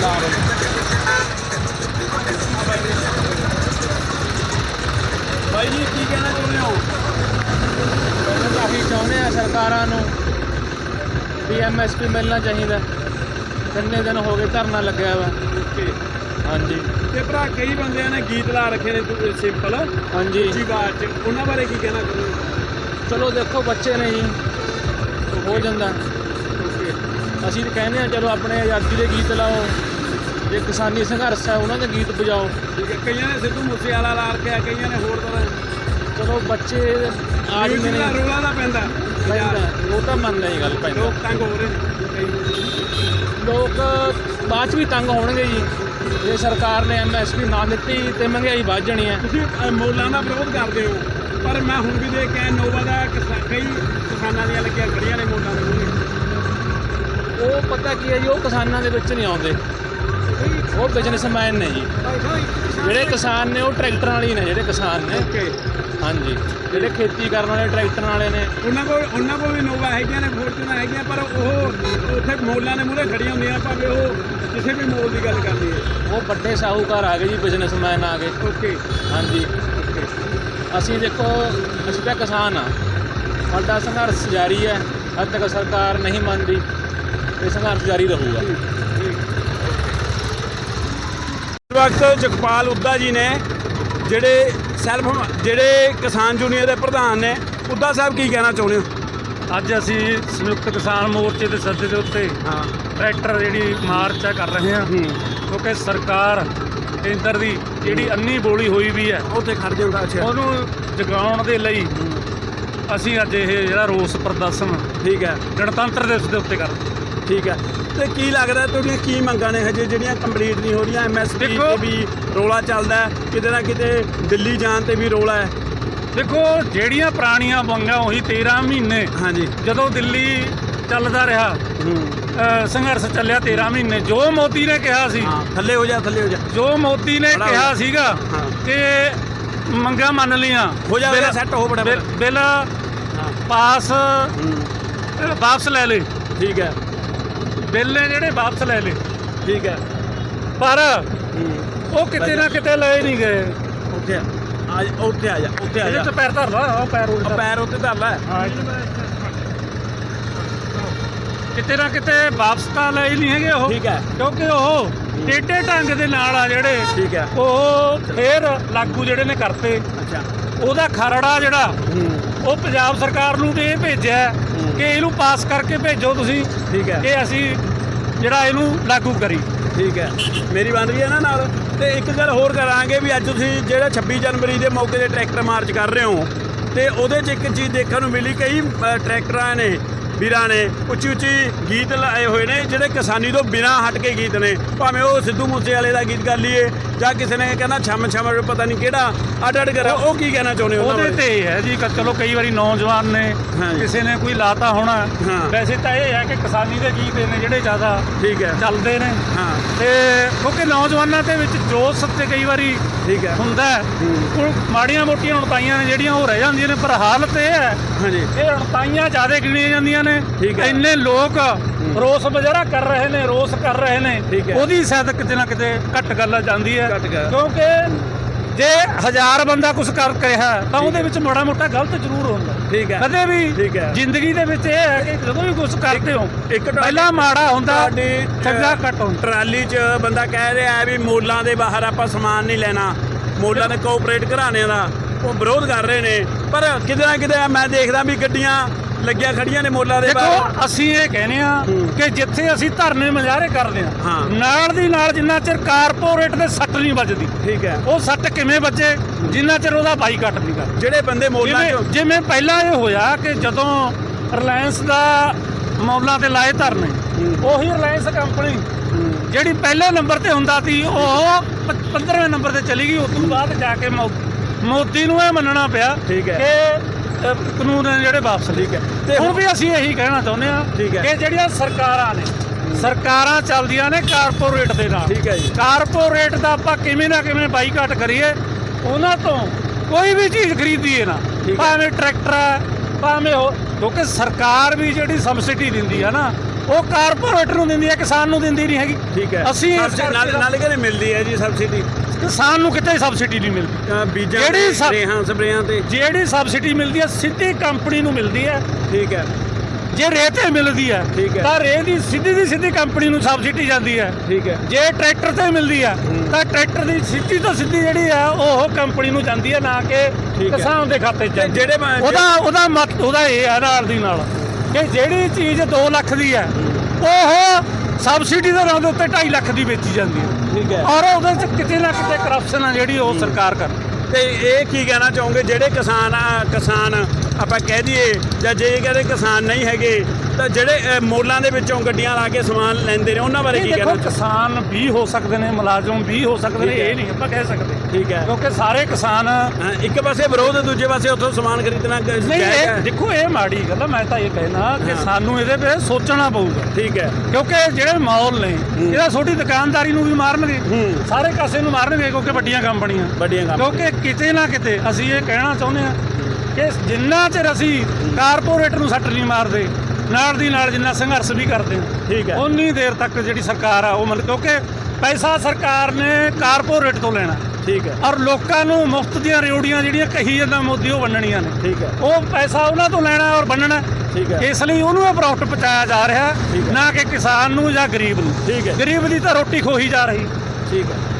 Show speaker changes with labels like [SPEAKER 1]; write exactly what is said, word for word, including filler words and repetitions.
[SPEAKER 1] भाई जी की कहना चाहते हो?
[SPEAKER 2] ਅਸੀਂ ਚਾਹੁੰਦੇ ਹਾਂ ਸਰਕਾਰਾਂ ਨੂੰ ਵੀ ਐਮ ਐਸ ਪੀ ਮਿਲਣਾ ਚਾਹੀਦਾ। ਕਿੰਨੇ ਦਿਨ ਹੋ ਗਏ ਧਰਨਾ ਲੱਗਿਆ ਵਾ।
[SPEAKER 1] ਓਕੇ
[SPEAKER 2] ਹਾਂਜੀ
[SPEAKER 1] ਤੇ ਭਰਾ ਕਈ ਬੰਦਿਆਂ ਨੇ ਗੀਤ ਲਾ ਰੱਖੇ ਨੇ ਸਿੰਪਲ
[SPEAKER 2] ਹਾਂਜੀ
[SPEAKER 1] ਉੱਚੀ ਆਵਾਜ਼ 'ਚ, ਉਹਨਾਂ ਬਾਰੇ ਕੀ ਕਹਿਣਾ ਚਾਹੁੰਦੇ ਹੋ?
[SPEAKER 2] ਚਲੋ ਦੇਖੋ ਬੱਚੇ ਨੇ ਜੀ, ਹੋ ਜਾਂਦਾ।
[SPEAKER 1] ਓਕੇ
[SPEAKER 2] ਅਸੀਂ ਤਾਂ ਕਹਿੰਦੇ ਹਾਂ ਚਲੋ ਆਪਣੇ ਆਜ਼ਾਦੀ ਦੇ ਗੀਤ ਲਾਓ, ਜੇ ਕਿਸਾਨੀ ਸੰਘਰਸ਼ ਹੈ ਉਹਨਾਂ ਦੇ ਗੀਤ ਵਜਾਓ।
[SPEAKER 1] ਠੀਕ ਹੈ, ਕਈਆਂ ਨੇ ਸਿੱਧੂ ਮੂਸੇਵਾਲਾ ਲਾ ਰੱਖਿਆ, ਕਈਆਂ ਨੇ ਹੋਰ ਤਰ੍ਹਾਂ
[SPEAKER 2] ਚਲੋ ਬੱਚੇ ਆ ਜਾਂਦੇ ਨੇ,
[SPEAKER 1] ਰੋਲਾ ਦਾ ਪੈਂਦਾ
[SPEAKER 2] ਪੈਂਦਾ ਉਹ ਤਾਂ ਮੰਨਦਾ ਹੀ ਗੱਲ ਪੈਂਦਾ।
[SPEAKER 1] ਲੋਕ ਤੰਗ ਹੋ ਰਹੇ ਨੇ ਕਈ
[SPEAKER 2] ਲੋਕ ਬਾਅਦ 'ਚ ਵੀ ਤੰਗ ਹੋਣਗੇ ਜੀ ਜੇ ਸਰਕਾਰ ਨੇ ਐਮ ਐਸ ਪੀ ਨਾ ਦਿੱਤੀ ਤੇ ਮਹਿੰਗਾਈ ਵੱਧ ਜਾਣੀ ਹੈ।
[SPEAKER 1] ਤੁਸੀਂ ਅ, ਮੋਲਾਂ ਦਾ ਵਿਰੋਧ ਕਰਦੇ ਹੋ, ਪਰ ਮੈਂ ਹੁਣ ਵੀ ਦੇਖ ਕੇ ਆਇਆ ਨੋਵਾ ਦਾ ਕਿਸਾ- ਕਈ ਕਿਸਾਨਾਂ ਦੀਆਂ ਲੱਗੀਆਂ ਖੜੀਆਂ ਨੇ ਮੋਲਾਂ ਦੇ ਮੂਹਰੇ।
[SPEAKER 2] ਉਹ ਪਤਾ ਕੀ ਹੈ ਜੀ, ਉਹ ਕਿਸਾਨਾਂ ਦੇ ਵਿੱਚ ਨਹੀਂ ਆਉਂਦੇ, ਉਹ ਬਿਜ਼ਨਸਮੈਨ ਨੇ ਜੀ। ਜਿਹੜੇ ਕਿਸਾਨ ਨੇ ਉਹ ਟਰੈਕਟਰਾਂ ਵਾਲੇ ਨੇ, ਜਿਹੜੇ ਕਿਸਾਨ ਨੇ
[SPEAKER 1] ਓਕੇ
[SPEAKER 2] ਹਾਂਜੀ, ਜਿਹੜੇ ਖੇਤੀ ਕਰਨ ਵਾਲੇ ਟਰੈਕਟਰਾਂ ਵਾਲੇ ਨੇ
[SPEAKER 1] ਉਹਨਾਂ ਕੋਲ ਉਹਨਾਂ ਕੋਲ ਵੀ ਨੋਵਾ ਹੈਗੀਆਂ ਨੇ, ਫੋਰਚੂਨਰ ਹੈਗੀਆਂ, ਪਰ ਉਹ ਉੱਥੇ ਮੋਲਾਂ ਦੇ ਮੂਹਰੇ ਖੜੀਆਂ ਹੁੰਦੀਆਂ, ਭਾਵੇਂ ਉਹ ਕਿਸੇ ਵੀ ਮੋਲ ਦੀ ਗੱਲ ਕਰਦੀ ਹੈ।
[SPEAKER 2] ਉਹ ਵੱਡੇ ਸਾਹੂਕਾਰ ਆ ਗਏ ਜੀ, ਬਿਜ਼ਨਸਮੈਨ ਆ ਗਏ।
[SPEAKER 1] ਓਕੇ
[SPEAKER 2] ਹਾਂਜੀ
[SPEAKER 1] ਓਕੇ
[SPEAKER 2] ਅਸੀਂ ਦੇਖੋ, ਅਸੀਂ ਤਾਂ ਕਿਸਾਨ ਆ, ਸਾਡਾ ਸੰਘਰਸ਼ ਜਾਰੀ ਹੈ। ਹੱਦ ਤੱਕ ਸਰਕਾਰ ਨਹੀਂ ਮੰਨਦੀ ਇਹ ਸੰਘਰਸ਼ ਜਾਰੀ ਰਹੂਗਾ।
[SPEAKER 1] ਇਸ ਵਕਤ ਜਗਪਾਲ ਉੱਦਾ ਜੀ ਨੇ, ਜਿਹੜੇ ਸੈਲਫ ਜਿਹੜੇ ਕਿਸਾਨ ਯੂਨੀਅਨ ਦੇ ਪ੍ਰਧਾਨ ਨੇ। ਉੱਦਾ ਸਾਹਿਬ ਕੀ ਕਹਿਣਾ ਚਾਹੁੰਦੇ ਹੋ?
[SPEAKER 3] ਅੱਜ ਅਸੀਂ ਸੰਯੁਕਤ ਕਿਸਾਨ ਮੋਰਚੇ ਦੇ ਸੱਦੇ ਦੇ ਉੱਤੇ
[SPEAKER 1] ਹਾਂ
[SPEAKER 3] ਟਰੈਕਟਰ ਜਿਹੜੀ ਮਾਰਚ ਆ ਕਰ ਰਹੇ ਹਾਂ, ਕਿਉਂਕਿ ਸਰਕਾਰ ਕੇਂਦਰ ਦੀ ਜਿਹੜੀ ਅੰਨੀ ਬੋਲੀ ਹੋਈ ਵੀ ਹੈ
[SPEAKER 1] ਉੱਥੇ ਖੜ ਜਾਂਦਾ। ਅੱਛਾ
[SPEAKER 3] ਉਹਨੂੰ ਜਗਾਉਣ ਦੇ ਲਈ ਅਸੀਂ ਅੱਜ ਇਹ ਜਿਹੜਾ ਰੋਸ ਪ੍ਰਦਰਸ਼ਨ
[SPEAKER 1] ਠੀਕ ਹੈ
[SPEAKER 3] ਗਣਤੰਤਰ ਦਿਵਸ ਦੇ ਉੱਤੇ ਕਰਦੇ।
[SPEAKER 1] ਠੀਕ ਹੈ, ਤੇ ਕੀ ਲੱਗਦਾ ਤੁਹਾਡੀਆਂ ਕੀ ਮੰਗਾਂ ਨੇ ਹਜੇ ਜਿਹੜੀਆਂ ਕੰਪਲੀਟ ਨਹੀਂ ਹੋ ਰਹੀਆਂ? ਐਮ ਐਸ ਪੀ
[SPEAKER 3] ਦੇਖੋ-
[SPEAKER 1] ਤੇ ਵੀ ਰੌਲਾ ਚੱਲਦਾ ਹੈ, ਕਿਤੇ ਨਾ ਕਿਤੇ ਦਿੱਲੀ ਜਾਣ ਤੇ ਵੀ ਰੌਲਾ ਹੈ।
[SPEAKER 3] ਦੇਖੋ ਜਿਹੜੀਆਂ ਪੁਰਾਣੀਆਂ ਮੰਗਾਂ ਉਹੀ ਤੇਰ੍ਹਾਂ ਮਹੀਨੇ
[SPEAKER 1] ਹਾਂਜੀ
[SPEAKER 3] ਜਦੋਂ ਦਿੱਲੀ ਚੱਲਦਾ ਰਿਹਾ, ਅ, ਸੰਘਰਸ਼ ਚੱਲਿਆ ਤੇਰ੍ਹਾਂ ਮਹੀਨੇ, ਜੋ ਮੋਦੀ ਨੇ ਕਿਹਾ ਸੀ,
[SPEAKER 1] ਹਾਂ ਥੱਲੇ ਹੋ ਜਾ ਥੱਲੇ ਹੋ ਜਾ
[SPEAKER 3] ਜੋ ਮੋਦੀ ਨੇ
[SPEAKER 1] ਖੜਾ ਹੋ
[SPEAKER 3] ਕਿਹਾ
[SPEAKER 1] ਜਾ।
[SPEAKER 3] ਸੀਗਾ
[SPEAKER 1] ਹਾਂ।
[SPEAKER 3] ਕਿ ਮੰਗਾਂ ਮੰਨ ਲਈਆਂ,
[SPEAKER 1] ਹੋ ਜਾ
[SPEAKER 3] ਬਿੱਲ-
[SPEAKER 1] ਸੈੱਟ ਹੋ ਬੜਾ
[SPEAKER 3] ਬਿੱਲ ਬਿੱਲ
[SPEAKER 1] ਹਾਂ
[SPEAKER 3] ਪਾਸ
[SPEAKER 1] ਹੂੰ,
[SPEAKER 3] ਵਾਪਸ ਲੈ ਲਏ,
[SPEAKER 1] ਠੀਕ ਹੈ
[SPEAKER 3] ਬਿੱਲ ਨੇ ਜਿਹੜੇ ਵਾਪਸ ਲੈ ਲਏ,
[SPEAKER 1] ਠੀਕ ਹੈ
[SPEAKER 3] ਪਰ
[SPEAKER 1] ਹੂੰ,
[SPEAKER 3] ਉਹ ਕਿਤੇ ਨਾ ਕਿਤੇ ਲਏ ਨਹੀਂ ਗਏ।
[SPEAKER 1] ਉੱਥੇ ਆ ਆ ਜਾ, ਉੱਥੇ ਆ ਜਾ ਉੱਥੇ ਆ
[SPEAKER 3] ਇਹਦੇ
[SPEAKER 1] ਜਾ
[SPEAKER 3] ਤੇ ਪੈਰ ਧਰ ਲਾ, ਉਹ ਪੈਰ
[SPEAKER 1] ਉਹ
[SPEAKER 3] ਉਲਟਾ।
[SPEAKER 1] ਪੈਰ ਉੱਤੇ ਧਰ ਲੈ।
[SPEAKER 3] ਹਾਂ, ਕਿਤੇ ਨਾ ਕਿਤੇ ਵਾਪਸ ਤਾਂ ਲਏ ਨਹੀਂ ਹੈਗੇ ਉਹ,
[SPEAKER 1] ਠੀਕ ਹੈ
[SPEAKER 3] ਕਿਉਂਕਿ ਉਹ ਟੇਢੇ ਢੰਗ ਦੇ ਨਾਲ ਆ ਜਿਹੜੇ
[SPEAKER 1] ਠੀਕ ਹੈ
[SPEAKER 3] ਉਹ ਫੇਰ ਲਾਗੂ ਜਿਹੜੇ ਨੇ ਕਰਤੇ।
[SPEAKER 1] ਅੱਛਾ
[SPEAKER 3] ਉਹਦਾ ਖਰੜਾ ਜਿਹੜਾ
[SPEAKER 1] ਹੂੰ,
[SPEAKER 3] ਉਹ ਪੰਜਾਬ ਸਰਕਾਰ ਨੂੰ ਵੀ ਇਹ ਭੇਜਿਆ ਕਿ ਇਹਨੂੰ ਪਾਸ ਕਰਕੇ ਭੇਜੋ ਤੁਸੀਂ,
[SPEAKER 1] ਠੀਕ ਹੈ
[SPEAKER 3] ਕਿ ਅਸੀਂ ਜਿਹੜਾ ਇਹਨੂੰ ਲਾਗੂ ਕਰੀ।
[SPEAKER 1] ਠੀਕ ਹੈ, ਮੇਰੀ ਬਣ ਰਹੀ ਹੈ ਨਾ ਨਾਲ। ਤੇ ਇੱਕ ਗੱਲ ਹੋਰ ਕਰਾਂਗੇ ਵੀ ਅੱਜ ਤੁਸੀਂ ਜਿਹੜਾ ਛੱਬੀ ਜਨਵਰੀ ਦੇ ਮੌਕੇ ਤੇ ਟਰੈਕਟਰ ਮਾਰਚ ਕਰ ਰਹੇ ਹੋ, ਤੇ ਉਹਦੇ 'ਚ ਇੱਕ ਚੀਜ਼ ਦੇਖਣ ਨੂੰ ਮਿਲੀ, ਕਈ ਅ, ਟਰੈਕਟਰਾਂ ਨੇ ਵੀਰਾਂ ਨੇ ਉੱਚੀ ਉੱਚੀ ਗੀਤ ਲਾਏ ਹੋਏ ਨੇ ਜਿਹੜੇ ਕਿਸਾਨੀ ਤੋਂ ਬਿਨਾਂ ਹਟ ਕੇ ਗੀਤ ਨੇ, ਭਾਵੇਂ ਉਹ ਸਿੱਧੂ ਮੂਸੇਵਾਲੇ ਦਾ ਗੀਤ ਕਰ ਲਈਏ ਜਾਂ ਕਿਸੇ ਨੇ ਕਹਿੰਦਾ ਛਮ ਛਮ ਪਤਾ ਨਹੀਂ ਕਿਹੜਾ ਅੱਡ ਅੱਡ ਕਰ। ਉਹ ਕੀ ਕਹਿਣਾ ਚਾਹੁੰਦੇ ਹੋ ਉਹਨਾਂ
[SPEAKER 3] ਉਹਦੇ
[SPEAKER 1] ਬਾਰੇ?
[SPEAKER 3] ਤੇ ਇਹ ਹੈ ਜੀ, ਕ- ਚਲੋ ਕਈ ਵਾਰੀ ਨੌਜਵਾਨ ਨੇ
[SPEAKER 1] ਹਾਂਜੀ।
[SPEAKER 3] ਕਿਸੇ ਨੇ ਕੋਈ ਲਾਤਾ ਹੋਣਾ,
[SPEAKER 1] ਹਾਂ।
[SPEAKER 3] ਵੈਸੇ ਤਾਂ ਇਹ ਹੈ ਕਿ ਕਿਸਾਨੀ ਦੇ ਗੀਤ ਨੇ ਜਿਹੜੇ ਜ਼ਿਆਦਾ
[SPEAKER 1] ਠੀਕ ਹੈ
[SPEAKER 3] ਚੱਲਦੇ ਨੇ,
[SPEAKER 1] ਹਾਂ
[SPEAKER 3] ਤੇ ਕਿਉਂਕਿ ਨੌਜਵਾਨਾਂ ਦੇ ਵਿੱਚ ਜੋਸ਼ ਤੇ ਕਈ ਵਾਰੀ
[SPEAKER 1] ਠੀਕ ਹੈ
[SPEAKER 3] ਹੁੰਦਾ ਹੈ,
[SPEAKER 1] ਹੂੰ।
[SPEAKER 3] ਉਹ ਮਾੜੀਆਂ ਮੋਟੀਆਂ ਉਣਤਾਈਆਂ ਨੇ ਜਿਹੜੀਆਂ ਉਹ ਰਹਿ ਜਾਂਦੀਆਂ ਨੇ, ਪਰ ਹਾਲਤ ਇਹ ਹੈ
[SPEAKER 1] ਹਾਂਜੀ
[SPEAKER 3] ਇਹ ਉਣਤਾਈਆਂ ਜ਼ਿਆਦਾ ਗਿਣੀਆਂ ਜਾਂਦੀਆਂ ਨੇ।
[SPEAKER 1] ਠੀਕ ਹੈ।
[SPEAKER 3] ਇੰਨੇ ਲੋਕ ਰੋਸ ਮੁਜ਼ਾਹਰਾ ਕਰ ਰਹੇ ਨੇ, ਰੋਸ ਕਰ ਰਹੇ ਨੇ,
[SPEAKER 1] ਠੀਕ ਹੈ।
[SPEAKER 3] ਉਹਦੀ ਸ਼ਾਇਦ ਕਿਤੇ ਨਾ ਕਿਤੇ ਘੱਟ ਗੱਲ ਜਾਂਦੀ ਹੈ,
[SPEAKER 1] ਘੱਟ ਗੱਲ।
[SPEAKER 3] ਕਿਉਂਕਿ ਜੇ ਹਜ਼ਾਰ ਬੰਦਾ ਕੁਝ ਕਰ ਰਿਹਾ ਤਾਂ ਉਹਦੇ ਵਿੱਚ ਮਾੜਾ ਮੋਟਾ ਗਲਤ ਜ਼ਰੂਰ ਹੁੰਦਾ।
[SPEAKER 1] ਠੀਕ ਹੈ
[SPEAKER 3] ਕਦੇ ਵੀ
[SPEAKER 1] ਠੀਕ ਹੈ।
[SPEAKER 3] ਜ਼ਿੰਦਗੀ ਦੇ ਵਿੱਚ ਇਹ ਹੈ ਕਿ ਜਦੋਂ ਵੀ ਕੁਝ ਕਰਦੇ ਹੋ
[SPEAKER 1] ਇੱਕ ਤੁਹਾਡੀ-
[SPEAKER 3] ਪਹਿਲਾਂ ਮਾੜਾ ਹੁੰਦਾ,
[SPEAKER 1] ਤੁਹਾਡੀ
[SPEAKER 3] ਚੰਗਾ ਘੱਟ ਹੁੰਦਾ।
[SPEAKER 1] ਟਰਾਲੀ 'ਚ ਬੰਦਾ ਕਹਿ ਰਿਹਾ ਹੈ ਵੀ ਮੋਲਾਂ ਦੇ ਬਾਹਰ ਆਪਾਂ ਸਮਾਨ ਨਹੀਂ ਲੈਣਾ, ਮੋਲਾਂ ਦੇ ਕੋਆਪਰੇਟ ਘਰਾਣਿਆਂ ਦਾ ਉਹ ਵਿਰੋਧ ਕਰ ਰਹੇ ਨੇ, ਪਰ ਕਿਤੇ ਨਾ ਕਿਤੇ ਮੈਂ ਦੇਖਦਾ ਵੀ ਗੱਡੀਆਂ ਲੱਗੀਆਂ ਖੜੀਆਂ ਨੇ ਮੋਲਾਂ ਦੇ ਬਾਹਰ।
[SPEAKER 3] ਦੇਖੋ ਅਸੀਂ ਇਹ ਕਹਿੰਦੇ ਆ
[SPEAKER 1] ਹੂੰ।
[SPEAKER 3] ਕਿ ਜਿੱਥੇ ਅਸੀਂ ਧਰਨੇ ਮੁਜ਼ਾਹਰੇ ਕਰਦੇ ਆ,
[SPEAKER 1] ਹਾਂ।
[SPEAKER 3] ਨਾਲ ਦੀ ਨਾਲ ਜਿੰਨਾ ਚਿਰ ਕਾਰਪੋਰੇਟ ਦੇ ਸੱਟ ਨਹੀਂ ਵੱਜਦੀ,
[SPEAKER 1] ਠੀਕ ਹੈ,
[SPEAKER 3] ਉਹ ਸੱਟ ਕਿਵੇਂ ਵੱਜੇ ਜਿੰਨਾ ਚਿਰ ਉਹਦਾ ਬਾਈਕਾਟ ਨਹੀਂ ਕਰ।
[SPEAKER 1] ਜਿਹੜੇ ਬੰਦੇ ਮੋਲਾਂ 'ਚ
[SPEAKER 3] ਜਿਵੇਂ ਜਿਵੇਂ ਪਹਿਲਾਂ ਇਹ ਹੋਇਆ ਕਿ ਜਦੋਂ ਰਿਲਾਇੰਸ ਦਾ ਮੌਲਾਂ ਤੇ ਲਾਏ ਧਰਨੇ, ਉਹੀ ਰਿਲਾਇੰਸ ਕੰਪਨੀ ਜਿਹੜੀ ਪਹਿਲੇ ਨੰਬਰ ਤੇ ਹੁੰਦਾ ਸੀ ਉਹ ਪੰਦਰਵੇਂ ਨੰਬਰ ਤੇ ਚਲੀ ਗਈ। ਉਸ ਤੋਂ ਬਾਅਦ ਜਾ ਕੇ ਮੋ- ਮੋਦੀ ਨੂੰ ਇਹ ਮੰਨਣਾ ਪਿਆ
[SPEAKER 1] ਠੀਕ ਹੈ।
[SPEAKER 3] ਕਿ ਅ, ਕਾਨੂੰਨ ਨੇ ਜਿਹੜੇ ਵਾਪਸ
[SPEAKER 1] ਠੀਕ ਹੈ।
[SPEAKER 3] ਤੇ
[SPEAKER 1] ਤੇ
[SPEAKER 3] ਹੁਣ
[SPEAKER 1] ਹੁਣ
[SPEAKER 3] ਵੀ ਅਸੀਂ ਇਹੀ ਕਹਿਣਾ ਚਾਹੁੰਦੇ ਹਾਂ
[SPEAKER 1] ਠੀਕ ਹੈ।
[SPEAKER 3] ਕਿ ਜਿਹੜੀਆਂ ਸਰਕਾਰਾਂ ਨੇ, ਸਰਕਾਰਾਂ ਚੱਲਦੀਆਂ ਨੇ ਕਾਰਪੋਰੇਟ ਦੇ ਨਾਲ।
[SPEAKER 1] ਠੀਕ ਹੈ ਜੀ।
[SPEAKER 3] ਕਾਰਪੋਰੇਟ ਦਾ ਆਪਾਂ ਕਿਵੇਂ ਨਾ ਕਿਵੇਂ ਬਾਈਕਾਟ ਕਰੀਏ, ਉਹਨਾਂ ਤੋਂ ਕੋਈ ਵੀ ਚੀਜ਼ ਖਰੀਦੀਏ ਨਾ,
[SPEAKER 1] ਠੀਕ ਹੈ।
[SPEAKER 3] ਭਾਵੇਂ ਟਰੈਕਟਰ ਹੈ ਭਾਵੇਂ ਉਹ, ਕਿਉਂਕਿ ਸਰਕਾਰ ਵੀ ਜਿਹੜੀ ਸਬਸਿਡੀ ਦਿੰਦੀ ਆ ਨਾ, ਉਹ ਕਾਰਪੋਰੇਟ ਨੂੰ ਦਿੰਦੀ ਹੈ, ਕਿਸਾਨ ਨੂੰ ਦਿੰਦੀ ਨਹੀਂ ਹੈਗੀ।
[SPEAKER 1] ਠੀਕ ਹੈ।
[SPEAKER 3] ਅਸੀਂ ਇਸ
[SPEAKER 1] ਸਬਸਿਡੀ ਨਾਲ
[SPEAKER 3] ਕਰਕੇ
[SPEAKER 1] ਨਾਲ ਕਿਹਨੇ ਮਿਲਦੀ ਹੈ ਜੀ ਸਬਸਿਡੀ?
[SPEAKER 3] ਕਿਸਾਨ ਨੂੰ ਕਿਤੇ ਸਬਸਿਡੀ ਨਹੀਂ ਮਿਲਦੀ।
[SPEAKER 1] ਅ, ਬੀਜਾਂ
[SPEAKER 3] ਜਿਹੜੀ
[SPEAKER 1] ਤੇ
[SPEAKER 3] ਸਬ-
[SPEAKER 1] ਰੇਹਾਂ ਸਪਰੇਆਂ ਤੇ।
[SPEAKER 3] ਜਿਹੜੀ ਸਬਸਿਡੀ ਮਿਲਦੀ ਹੈ ਸਿੱਧੀ ਕੰਪਨੀ ਨੂੰ ਮਿਲਦੀ ਹੈ।
[SPEAKER 1] ਠੀਕ ਹੈ।
[SPEAKER 3] ਜੇ ਰੇਹ ਤੇ ਮਿਲਦੀ ਹੈ
[SPEAKER 1] ਠੀਕ ਹੈ।
[SPEAKER 3] ਤਾਂ ਰੇਹ ਦੀ ਸਿੱਧੀ ਦੀ ਸਿੱਧੀ ਕੰਪਨੀ ਨੂੰ ਸਬਸਿਡੀ ਜਾਂਦੀ ਹੈ।
[SPEAKER 1] ਠੀਕ ਹੈ।
[SPEAKER 3] ਜੇ ਟਰੈਕਟਰ ਤੇ ਮਿਲਦੀ ਹੈ ਤਾਂ ਟਰੈਕਟਰ ਦੀ ਸਿੱਧੀ ਤੋਂ ਸਿੱਧੀ ਜਿਹੜੀ ਹੈ ਉਹ ਕੰਪਨੀ ਨੂੰ ਜਾਂਦੀ ਹੈ, ਨਾ ਕਿ
[SPEAKER 1] ਠੀਕ ਹੈ।
[SPEAKER 3] ਕਿਸਾਨ ਦੇ ਖਾਤੇ 'ਚ
[SPEAKER 1] ਤੇ
[SPEAKER 3] ਜਾਂਦੀ ਹੈ।
[SPEAKER 1] ਜਿਹੜੇ ਬ-
[SPEAKER 3] ਉਹਦਾ ਉਹਦਾ ਮਤ ਉਹਦਾ ਇਹ ਹੈ ਨਾਲ ਦੀ ਨਾਲ ਕਿ ਜਿਹੜੀ ਚੀਜ਼ ਦੋ ਲੱਖ ਦੀ ਹੈ ਉਹ ਸਬਸਿਡੀ ਦੇ ਨਾਂ ਦੇ ਉੱਤੇ ਢਾਈ ਲੱਖ ਦੀ ਵੇਚੀ ਜਾਂਦੀ ਹੈ।
[SPEAKER 1] ਠੀਕ ਹੈ।
[SPEAKER 3] ਔਰ ਉਹਦੇ 'ਚ ਕਿਤੇ ਨਾ ਕਿਤੇ ਕਰਪਸ਼ਨ ਆ ਜਿਹੜੀ ਉਹ ਸਰਕਾਰ ਕਰਦੀ।
[SPEAKER 1] ਤੇ ਇਹ ਕੀ ਕਹਿਣਾ ਚਾਹੋਗੇ ਜਿਹੜੇ ਕਿਸਾਨ ਆ ਕਿਸਾਨ ਆਪਾਂ ਕਹਿ ਦਈਏ ਜਾਂ ਜੇ ਕਹਿੰਦੇ ਕਿਸਾਨ ਨਹੀਂ ਹੈਗੇ ਤਾਂ ਜਿਹੜੇ ਅ, ਮੋਲਾਂ ਦੇ ਵਿੱਚੋਂ ਗੱਡੀਆਂ ਲਾ ਕੇ ਸਮਾਨ ਲੈਂਦੇ ਨੇ ਉਹਨਾਂ ਬਾਰੇ
[SPEAKER 3] ਇਹ
[SPEAKER 1] ਕੀ
[SPEAKER 3] ਦੇਖੋ
[SPEAKER 1] ਕਹਿਣਾ ਚਾਹੋਗੇ?
[SPEAKER 3] ਕਿਸਾਨ ਵੀ ਹੋ ਸਕਦੇ ਨੇ, ਮੁਲਾਜ਼ਮ ਵੀ ਹੋ ਸਕਦੇ ਨੇ,
[SPEAKER 1] ਠੀਕ ਹੈ।
[SPEAKER 3] ਇਹ ਨਹੀਂ ਆਪਾਂ ਕਹਿ ਸਕਦੇ
[SPEAKER 1] ਠੀਕ ਹੈ।
[SPEAKER 3] ਕਿਉਂਕਿ ਸਾਰੇ ਕਿਸਾਨ
[SPEAKER 1] ਹਾਂ, ਇੱਕ ਪਾਸੇ ਵਿਰੋਧ ਦੂਜੇ ਪਾਸੇ ਉੱਥੋਂ ਸਮਾਨ ਖਰੀਦਣਾ ਕ-
[SPEAKER 3] ਨਹੀਂ
[SPEAKER 1] ਜਾਇਜ਼
[SPEAKER 3] ਇਹ
[SPEAKER 1] ਹੈ।
[SPEAKER 3] ਦੇਖੋ ਇਹ ਮਾੜੀ ਗੱਲ ਆ। ਮੈਂ ਤਾਂ ਇਹ ਕਹਿਣਾ ਕਿ
[SPEAKER 1] ਹਾਂ।
[SPEAKER 3] ਸਾਨੂੰ ਇਹਦੇ 'ਤੇ ਸੋਚਣਾ ਪਊਗਾ,
[SPEAKER 1] ਠੀਕ ਹੈ।
[SPEAKER 3] ਕਿਉਂਕਿ ਜਿਹੜੇ ਮਾਲ ਨੇ ਇਹਦਾ ਛੋਟੀ ਦੁਕਾਨਦਾਰੀ ਨੂੰ ਵੀ ਮਾਰਨਗੇ,
[SPEAKER 1] ਹੂੰ।
[SPEAKER 3] ਸਾਰੇ ਕਾਸੇ ਨੂੰ ਮਾਰਨਗੇ, ਕਿਉਂਕਿ ਵੱਡੀਆਂ ਕੰਪਨੀਆਂ
[SPEAKER 1] ਵੱਡੀਆਂ ਕੰਮ
[SPEAKER 3] ਕਿਉਂਕਿ ਕਿਤੇ ਨਾ ਕਿਤੇ ਅਸੀਂ ਇਹ ਕਹਿਣਾ ਚਾਹੁੰਦੇ ਹਾਂ ਕਿ ਜਿੰਨਾ ਚਿਰ ਅਸੀਂ ਕਾਰਪੋਰੇਟ ਨੂੰ ਸੱਟ ਨਹੀਂ ਮਾਰਦੇ, ਨਾਲ ਦੀ ਨਾਲ ਜਿੰਨਾ ਸੰਘਰਸ਼ ਵੀ ਕਰਦੇ ਹਾਂ
[SPEAKER 1] ਠੀਕ ਹੈ।
[SPEAKER 3] ਉਨੀ ਦੇਰ ਤੱਕ ਜਿਹੜੀ ਸਰਕਾਰ ਆ ਉਹ ਮਤਲਬ ਕਿਉਂਕਿ ਪੈਸਾ ਸਰਕਾਰ ਨੇ ਕਾਰਪੋਰੇਟ ਤੋਂ ਲੈਣਾ
[SPEAKER 1] ਠੀਕ ਹੈ।
[SPEAKER 3] ਔਰ ਲੋਕਾਂ ਨੂੰ ਮੁਫਤ ਦੀਆਂ ਰਿਓੜੀਆਂ ਜਿਹੜੀਆਂ ਕਹੀ ਜਾਂਦਾ ਮੋਦੀ ਉਹ ਵੰਡਣੀਆਂ ਨੇ।
[SPEAKER 1] ਠੀਕ ਹੈ।
[SPEAKER 3] ਉਹ ਪੈਸਾ ਉਹਨਾਂ ਤੋਂ ਲੈਣਾ ਔਰ ਵੰਡਣਾ।
[SPEAKER 1] ਠੀਕ ਹੈ।
[SPEAKER 3] ਇਸ ਲਈ ਉਹਨੂੰ ਇਹ ਪ੍ਰੋਫਿਟ ਪਹੁੰਚਾਇਆ ਜਾ ਰਿਹਾ,
[SPEAKER 1] ਠੀਕ ਹੈ।
[SPEAKER 3] ਨਾ ਕਿ ਕਿਸਾਨ ਨੂੰ ਜਾਂ ਗਰੀਬ ਨੂੰ।
[SPEAKER 1] ਠੀਕ ਹੈ।
[SPEAKER 3] ਗਰੀਬ ਦੀ ਤਾਂ ਰੋਟੀ ਖੋਹੀ ਜਾ ਰਹੀ।
[SPEAKER 1] ਠੀਕ ਹੈ।